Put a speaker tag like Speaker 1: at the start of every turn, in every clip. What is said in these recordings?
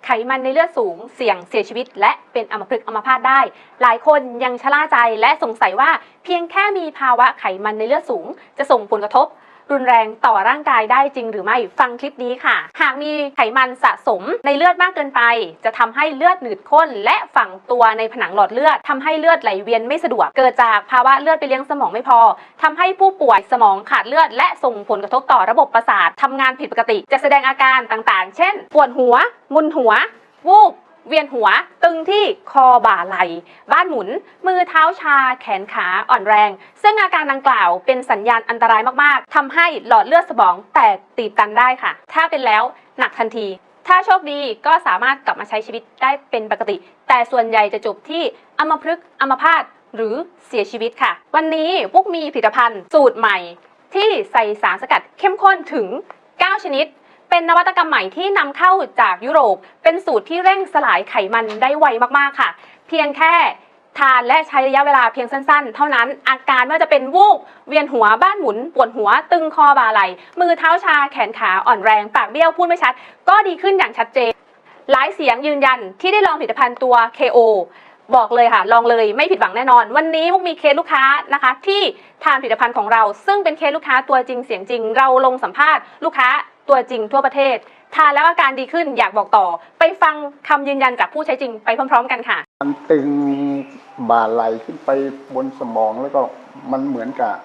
Speaker 1: ไขมันในเลือดสูงเสี่ยงเสียชีวิตและเป็นอัมพฤกษ์อัมพาตได้หลายคนยังชะล่าใจและสงสัยว่าเพียงแค่มีภาวะไขมันในเลือดสูงจะส่งผลกระทบรุนแรงต่อร่างกายได้จริงหรือไม่ฟังคลิปนี้ค่ะหากมีไขมันสะสมในเลือดมากเกินไปจะทำให้เลือดหนืดข้นและฝังตัวในผนังหลอดเลือดทำให้เลือดไหลเวียนไม่สะดวกเกิดจากภาวะเลือดไปเลี้ยงสมองไม่พอทำให้ผู้ป่วยสมองขาดเลือดและส่งผลกระทบต่อระบบประสาททำงานผิดปกติจะแสดงอาการต่างๆเช่นปวดหัวมึนหัววูบเวียนหัวตึงที่คอบ่าไหล่บ้านหมุนมือเท้าชาแขนขาอ่อนแรงซึ่งอาการดังกล่าวเป็นสัญญาณอันตรายมากๆทำให้หลอดเลือดสมองแตกตีบตันได้ค่ะถ้าเป็นแล้วหนักทันทีถ้าโชคดีก็สามารถกลับมาใช้ชีวิตได้เป็นปกติแต่ส่วนใหญ่จะจบที่อัมพฤกษ์อัมพาตหรือเสียชีวิตค่ะวันนี้พวกมีผลิตภัณฑ์สูตรใหม่ที่ใส่สารสกัดเข้มข้นถึง9ชนิดเป็นนวัตกรรมใหม่ที่นำเข้าจากยุโรปเป็นสูตรที่เร่งสลายไขมันได้ไวมากๆค่ะเพียงแค่ทานและใช้ระยะเวลาเพียงสั้นๆเท่านั้นอาการไม่ว่าจะเป็นวูบเวียนหัวบ้านหมุนปวดหัวตึงคอบ่าไหล่มือเท้าชาแขนขาอ่อนแรงปากเบี้ยวพูดไม่ชัดก็ดีขึ้นอย่างชัดเจนหลายเสียงยืนยันที่ได้ลองผลิตภัณฑ์ตัว KO บอกเลยค่ะลองเลยไม่ผิดหวังแน่นอนวันนี้มุกมีเคสลูกค้านะคะที่ทานผลิตภัณฑ์ของเราซึ่งเป็นเคสลูกค้าตัวจริงเสียงจริงเราลงสัมภาษณ์ลูกค้าตัวจริงทั่วประเทศทานแล้วอาการดีขึ้นอยากบอกต่อไปฟังคำยืนยันจากผู้ใช้จริงไปพร้อมๆกันค่ะ
Speaker 2: มันตึงบ่าไหลขึ้นไปบนสมองแล้วก็มันเหมือนกับ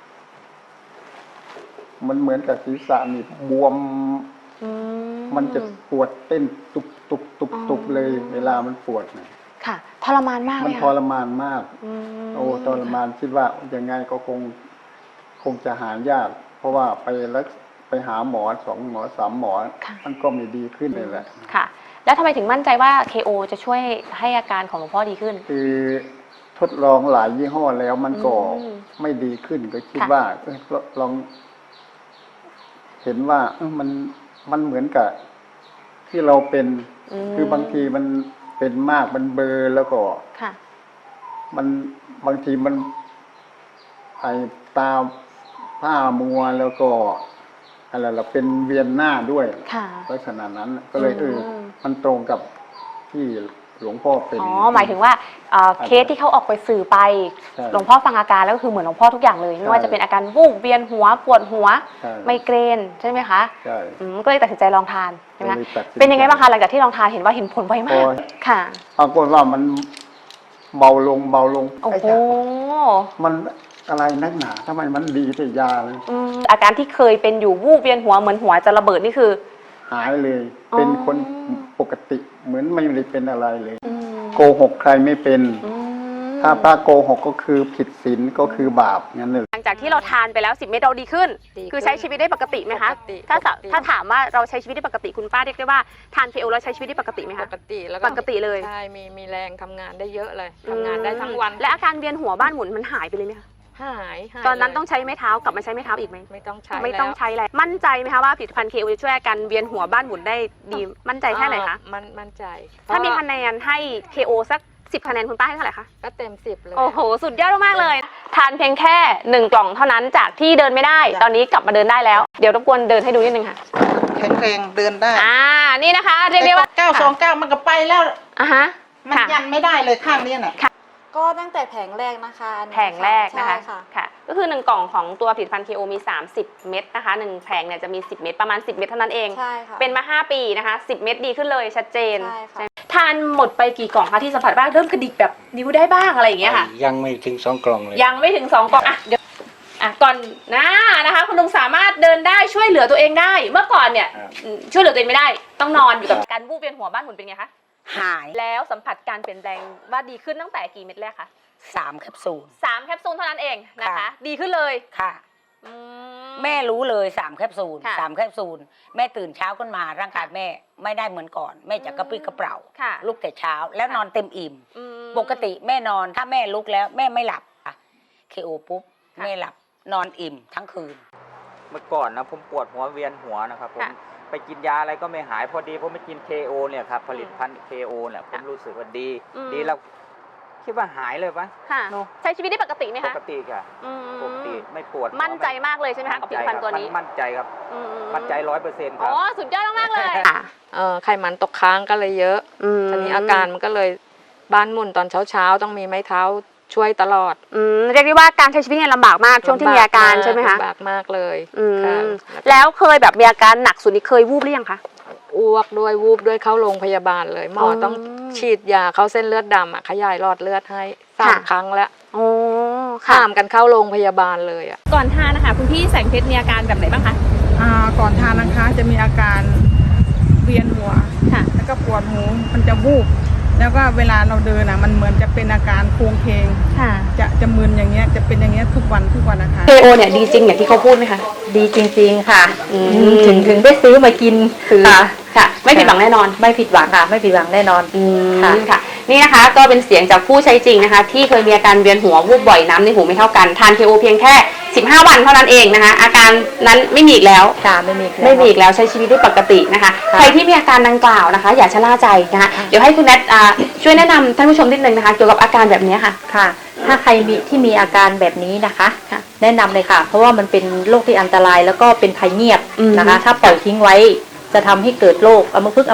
Speaker 2: ศีรษะนี่บวมมันจะปวดเต้นตุบเลยเวลามันปวดนะ
Speaker 1: ค่ะทรมานมาก
Speaker 2: มันทรมานมากโอ้ทรมานคิดว่ายังไงก็คงจะหายากเพราะว่าไปหาหมอ2 หมอ 3 หมอมันก็ไม่ดีขึ้นเลยแหละ
Speaker 1: ค่ะแล้วทำไมถึงมั่นใจว่า KO จะช่วยให้อาการของหลวงพ่อดีขึ้น
Speaker 2: คือทดลองหลายยี่ห้อแล้วมันก็ไม่ดีขึ้นก็คิดว่าลองเห็นว่ามันเหมือนกับที่เราเป็นคือบางทีมันเป็นมากมันเบลอแล้วก็มันบางทีมันไอตาผ้ามัวแล้วก็อะไรเราเป็นเวียนหน้าด้วยลักษณะนั้นก็เลยมันตรงกับที่หลวงพ่อเป็น
Speaker 1: หมายถึงว่าเคสที่เขาออกไปสื่อไปหลวงพ่อฟังอาการแล้วก็คือเหมือนหลวงพ่อทุกอย่างเลยไม่ว่าจะเป็นอาการวูบเวียนหัวปวดหัวไมเกรนใช่ไหมคะ
Speaker 2: ใช่
Speaker 1: ก็เลยตัดสินใจลองทานใช่ไหมเป็นยังไงบ้างคะหลังจากที่ลองทานเห็นว่าเห็นผลไวมากค่ะ
Speaker 2: ปรากฏว่ามันเบาลง
Speaker 1: โอ้โห
Speaker 2: มันอะไรนักหนาทำไมมันดีแต่ยาเลย
Speaker 1: อาการที่เคยเป็นอยู่วูบเวียนหัวเหมือนหัวจะระเบิดนี่คือ
Speaker 2: หายเลยเป็นคนปกติเหมือนไม่ได้เป็นอะไรเลยโกหกใครไม่เป็นถ้าพระโกหกก็คือผิดศีลก็คือบาปงั้นเลย
Speaker 1: หลังจากที่เราทานไปแล้ว10 เม็ดเราดีขึ้นคือใช้ชีวิตได้ปกติไหมคะถ้าถามว่าเราใช้ชีวิตได้ปกติคุณป้าเรียกได้ว่าทาน KO แล้วใช้ชีวิตได้ปกติไหมคะ
Speaker 3: ปกติแล้ว
Speaker 1: ปกติเลย
Speaker 3: ใช่มีแรงทำงานได้เยอะเลยทำงานได้ทั้งวัน
Speaker 1: และอาการเวียนหัวบ้านหมุนมันหายไปเลยไหมคะ
Speaker 3: หาย
Speaker 1: ตอนนั้นต้องใช้ไม้เท้ากลับมาใช้ไม้เท้าอีกไหม
Speaker 3: ไม่ต้องใช้
Speaker 1: แล้วมั่นใจไหมคะว่าผลิตภัณฑ์ KO จะช่วยอาการเวียนหัวบ้านหมุนได้ดีมั่นใจแค่ไหนคะ
Speaker 3: มั่นใจ
Speaker 1: ถ้ามีคะแนนให้ KO สัก10 คะแนนคุณป้าให้เท่าไหร่คะ
Speaker 3: ก็เต็ม10เลย
Speaker 1: โอ้โหสุดยอดมากเลยทานเพียงแค่1 กล่องเท่านั้นจากที่เดินไม่ได้ตอนนี้กลับมาเดินได้แล้วเดี๋ยวรบกวนเดินให้ดูนิดนึงค่ะ
Speaker 4: แข็งแรงเดินได้
Speaker 1: นี่นะคะเรียกได้ว่า
Speaker 4: 929มันก็ไปแล้วมันยันไม่ได้เลยข้างนี้น่ะ
Speaker 5: ก็ตั้งแต่แผงแรกนะคะ
Speaker 1: แผงแรกนะคะค่ะก็คือ1 กล่องของตัวผลิตภัณฑ์ KO มี30 เม็ดนะคะ1 แผงเนี่ยจะมี10 เม็ดประมาณ10 เม็ดเท่านั้นเอง
Speaker 5: ใช่ค่ะ
Speaker 1: เป็นมา5 ปีนะคะ10 เม็ดดีขึ้นเลยชัดเจนทานหมดไปกี่กล่องคะที่สัมผัสบ้างเริ่มกระดิกแบบนิ้วได้บ้างอะไรอย่างเงี้ยค่ะ
Speaker 6: ยังไม่ถึง2 กล่องเลย
Speaker 1: ยังไม่ถึง2 กล่องเดี๋ยวก่อนนะคะคุณลุงสามารถเดินได้ช่วยเหลือตัวเองได้เมื่อก่อนเนี่ยช่วยเหลือตัวเองไม่ได้ต้องนอนอยู่กับการวูบเวียนหัวบ้านหมุนเป็นไงคะ
Speaker 4: หาย
Speaker 1: แล้วสัมผัสการเปลี่ยนแปลงว่าดีขึ้นตั้งแต่กี่เม็ดแรกคะ
Speaker 4: 3 แคปซูล
Speaker 1: 3 แคปซูลเท่านั้นเองนะคะดีขึ้นเลย
Speaker 4: ค่ะแม่รู้เลย3 แคปซูล3 แคปซูลแม่ตื่นเช้าขึ้นมาร่างกายแม่ไม่ได้เหมือนก่อนแม่จะกระปรี้กระเปร่าลุกแต่เช้าแล้วนอนเต็มอิ่มปกติแม่นอนถ้าแม่ลุกแล้วแม่ไม่หลับKOปุ๊บแม่หลับนอนอิ่มทั้งคืน
Speaker 7: เมื่อก่อนนะผมปวดหัวเวียนหัวนะครับผมไปกินยาอะไรก็ไม่หายพอดีผมไปกิน KO เนี่ยครับผลิตภัณฑ์ KO เนี่ยผมรู้สึกว่าดีแล้วคิดว่าหายเลยปะ
Speaker 1: ค่ะ
Speaker 7: เนอะ
Speaker 1: ใช้ชีวิตได้ปกติไหม
Speaker 7: ป
Speaker 1: คะ
Speaker 7: กติค่ะ
Speaker 1: อืม
Speaker 7: ปกติไม่ปวดหัว
Speaker 1: มั่นใจมากเลยใช่ไหมคะกับผลิตภัณฑ์ตัวนี้
Speaker 7: มั่นใจครับ
Speaker 1: อื
Speaker 7: มั่นใจ100%ค
Speaker 1: อ๋
Speaker 7: รั
Speaker 1: อบ สุดยอดมากๆเลยค่ะ
Speaker 3: ไขมันตกค้างก็เลยเยอะทีนี้อาการมันก็เลยบ้านหมุนตอนเช้าๆต้องมีไม้เท้าช่วยตลอด
Speaker 1: เรียกได้ว่าการใช้ชีวิตเนี่ยลำบากมากช่วงที่มีอาการใช่ไหมคะ
Speaker 3: ลำบากมากเลย
Speaker 1: อืม
Speaker 3: ค่ะ
Speaker 1: แล้วเคยแบบมีอาการหนักสุดนี่เคยวูบหรือยังคะ
Speaker 3: อ้วกด้วยวูบด้วยเข้าโรงพยาบาลเลยหมอต้องฉีดยาเข้าเส้นเลือดดำขยายหลอดเลือดให้3 ครั้งแล้ว
Speaker 1: โอ้
Speaker 3: ข้ามกันเข้าโรงพยาบาลเลยอ่ะ
Speaker 1: ก่อนทานนะคะคุณพี่แสงเพชรมีอาการแบบไหนบ้างคะ
Speaker 6: ก่อนทานนะคะจะมีอาการเวียนหัว
Speaker 1: ค่ะ
Speaker 6: แล้วก็ปวดหูมันจะวูบแล้วก็เวลาเราเดินมันเหมือนจะเป็นอาการโคลงเคง
Speaker 1: ค่ะ
Speaker 6: จะมึนอย่างเงี้ยจะเป็นอย่างเงี้ยทุกวันนะคะ
Speaker 1: KO เนี่ยดีจริงอย่างที่เขาพูดไหมคะ
Speaker 8: ดีจริงๆค่ะ
Speaker 1: ม
Speaker 8: ถึงได้ซื้อมากินคือ
Speaker 1: ค่ะ ไม่ผิดหวังแน่นอน
Speaker 8: ไม่ผิดหวังค่ะ ไม่ผิดหวังแน่นอน
Speaker 1: ค่ะ นี่นะคะก็เป็นเสียงจากผู้ใช้จริงนะคะ ที่เคยมีอาการเวียนหัววูบบ่อยน้ำในหูไม่เท่ากันทาน KO เพียงแค่15 วันเท่านั้นเองนะคะ อาการนั้นไม่มีอีกแล้ว
Speaker 8: ค่ะไม่มี
Speaker 1: ไม่มีอีกแล้วใช้ชีวิตได้ปกตินะคะ ใครที่มีอาการดังกล่าวนะคะ อย่าชะล่าใจนะคะเดี๋ยวให้คุณแนทช่วยแนะนำท่านผู้ชมนิดนึงนะคะเกี่ยวกับอาการแบบนี้ค่ะ
Speaker 8: ค่ะ ถ้าใครมีอาการแบบนี้นะคะ
Speaker 1: ค่ะ
Speaker 8: แนะนำเลยค่ะ เพราะว่ามันเป็นโรคที่อันตรายแล้วก็เป็นภัยเงียบ
Speaker 1: อืม
Speaker 8: นะคะ ถ้าปล่อยทิ้งไว้จะทำให้เกิดโรคอัมพฤกษ์